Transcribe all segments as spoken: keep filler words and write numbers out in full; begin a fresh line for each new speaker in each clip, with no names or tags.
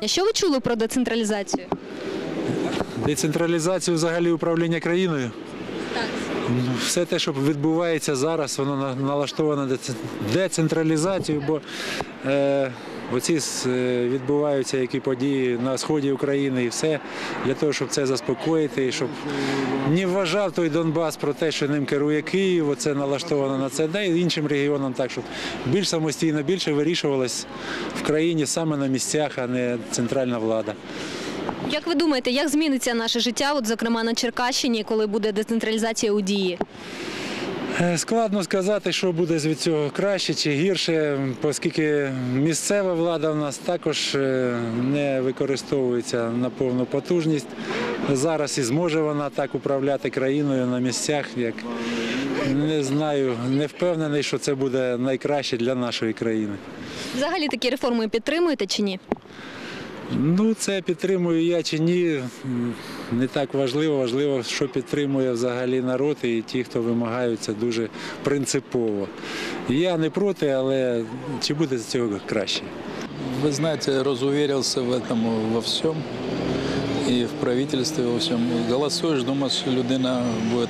Що ви чули про децентралізацію?
Децентралізацію взагалі управління країною?
Так.
Все те, що відбувається зараз, воно налаштовано на децентралізацію, бо е, оці відбуваються які події на сході України і все для того, щоб це заспокоїти, і щоб не вважав той Донбас про те, що ним керує Київ, оце налаштовано на це, да і іншим регіонам так, щоб більш самостійно, більше вирішувалось в країні саме на місцях, а не центральна влада.
Як ви думаєте, як зміниться наше життя, от, зокрема на Черкащині, коли буде децентралізація у дії?
Складно сказати, що буде від цього краще чи гірше, оскільки місцева влада в нас також не використовується на повну потужність. Зараз і зможе вона так управляти країною на місцях, як не знаю, не впевнений, що це буде найкраще для нашої країни.
Взагалі такі реформи підтримуєте чи ні?
Ну, це підтримую я чи ні, не так важливо. Важливо, що підтримує взагалі народ і ті, хто вимагають, це дуже принципово. Я не проти, але чи буде з цього краще?
Вы знаете, разуверился в этом во всем, и в правительстве во всем. Голосуешь, думаешь, что людина будет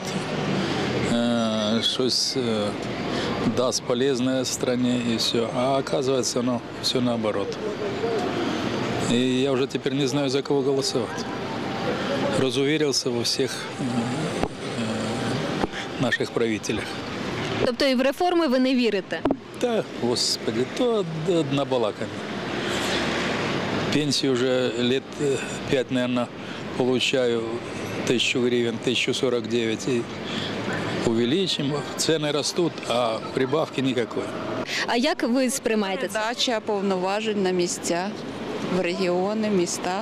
э, щось э, даст полезное стране и все. А оказывается, оно все наоборот. И я уже теперь не знаю, за кого голосовать. Разуверился во всех э, наших правителях.
Тобто і в реформи ви не вірите?
Да, господи, то однобалаками. Пенсию уже лет пять, наверное, получаю тысячу гривен, тысячу сорок девять. И увеличим, цены растут, а прибавки никакой.
А як ви сприймаєте це?
Передача повноважень на місця, в регіони, міста.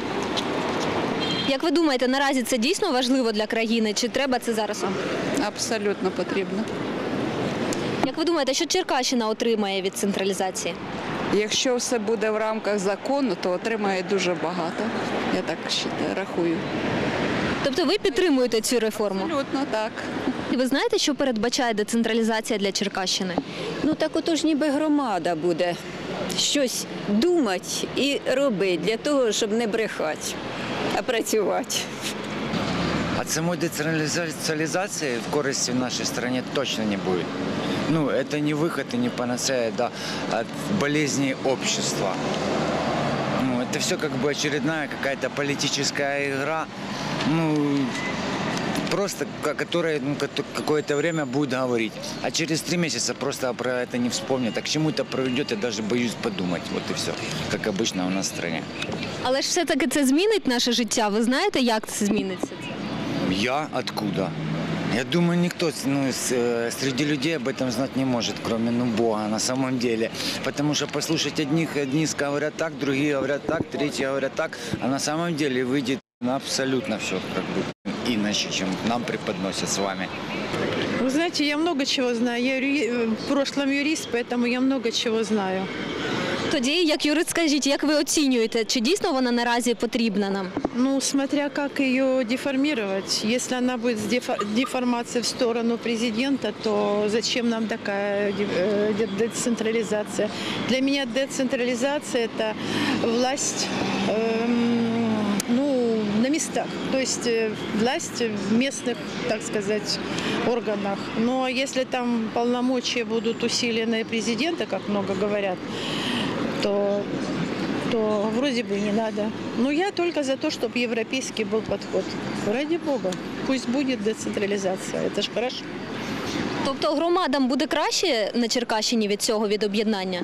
Як ви думаєте, наразі це дійсно важливо для країни, чи треба це зараз?
Абсолютно потрібно.
Як ви думаєте, що Черкащина отримає від централізації?
Якщо все буде в рамках закону, то отримає дуже багато. Я так вважаю, рахую.
Тобто ви підтримуєте цю реформу?
Абсолютно так.
І ви знаєте, що передбачає децентралізація для Черкащини?
Ну так отож ніби громада буде щось думати і робити для того, щоб не брехати, а працювати.
От самой децентрализации в корысти в нашей стране точно не будет. Ну, это не выход и не панацея, да, от болезней общества. Ну, это все как бы очередная какая-то политическая игра, ну, просто, которая ну, какое-то время будет говорить. А через три месяца просто про это не вспомнят. А к чему это приведет, я даже боюсь подумать. Вот и все, как обычно у нас в стране.
Але ж все-таки це змінить наше життя. Ви знаєте, як це зміниться?
Я откуда? Я думаю, никто ну, среди людей об этом знать не может, кроме ну, Бога на самом деле. Потому что послушать одних, одни говорят так, другие говорят так, третьи говорят так, а на самом деле выйдет абсолютно все как бы иначе, чем нам преподносят с вами.
Вы знаете, я много чего знаю. Я юри... в прошлом юрист, поэтому я много чего знаю.
Тоді, як юрист, скажіть, як ви оцінюєте, чи дійсно вона наразі потрібна нам?
Ну, смотря как ее деформировать. Если она будет с дефо... деформацией в сторону президента, то зачем нам такая децентрализация? Для меня децентрализация – это власть эм, ну, на местах, то есть власть в местных, так сказать, органах. Но если там полномочия будут усилены президента, как много говорят, то, то вроде бы не надо. Но я только за то, чтобы европейский был подход. Ради Бога, пусть будет децентрализация, это ж хорошо.
Тобто громадам буде краще на Черкащині від цього, від об'єднання?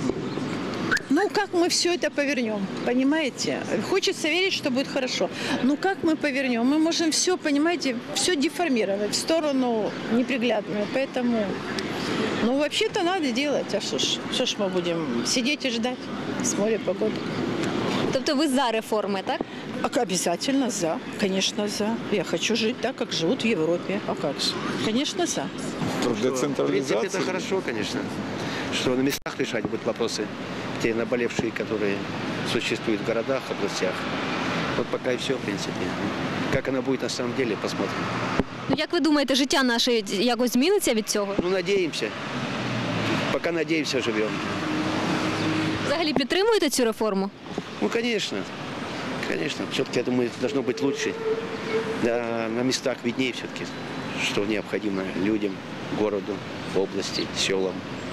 Ну, как мы все это повернем, понимаете? Хочется верить, что будет хорошо. Ну, как мы повернем? Мы можем все, понимаете, все деформировать в сторону неприглядную. Поэтому, ну, вообще-то надо делать. А что ж, что ж мы будем сидеть и ждать с моря погоды?
Тобто ви за реформи, так?
А обязательно за, конечно, за. Я хочу жить так, как живут в Европе. А как же? Конечно, за.
В принципе, это хорошо, конечно, что на местах решать будут вопросы, те наболевшие, которые существуют в городах, областях. Вот пока и все, в принципе. Как оно будет на самом деле, посмотрим.
Ну, як ви думаєте, життя наше якось зміниться від цього?
Ну, надеемся. Пока надеемся, живем.
Взагалі підтримуєте цю реформу?
Ну, конечно, конечно. Все-таки, я думаю, это должно быть лучше. Да, на местах виднее все-таки, что необходимо людям, городу, области, селам.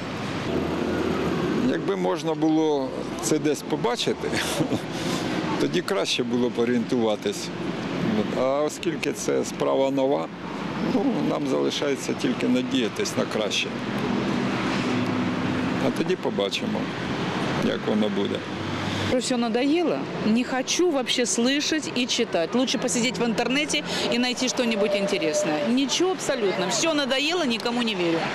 Якби можна було це десь побачити, тоді краще було б орієнтуватись. От. А оскільки це справа нова, ну, нам залишається тільки надіятись на краще. А тоді побачимо, як воно буде.
Все надоело. Не хочу вообще слышать и читать. Лучше посидеть в интернете и найти что-нибудь интересное. Ничего абсолютно. Все надоело, никому не верю.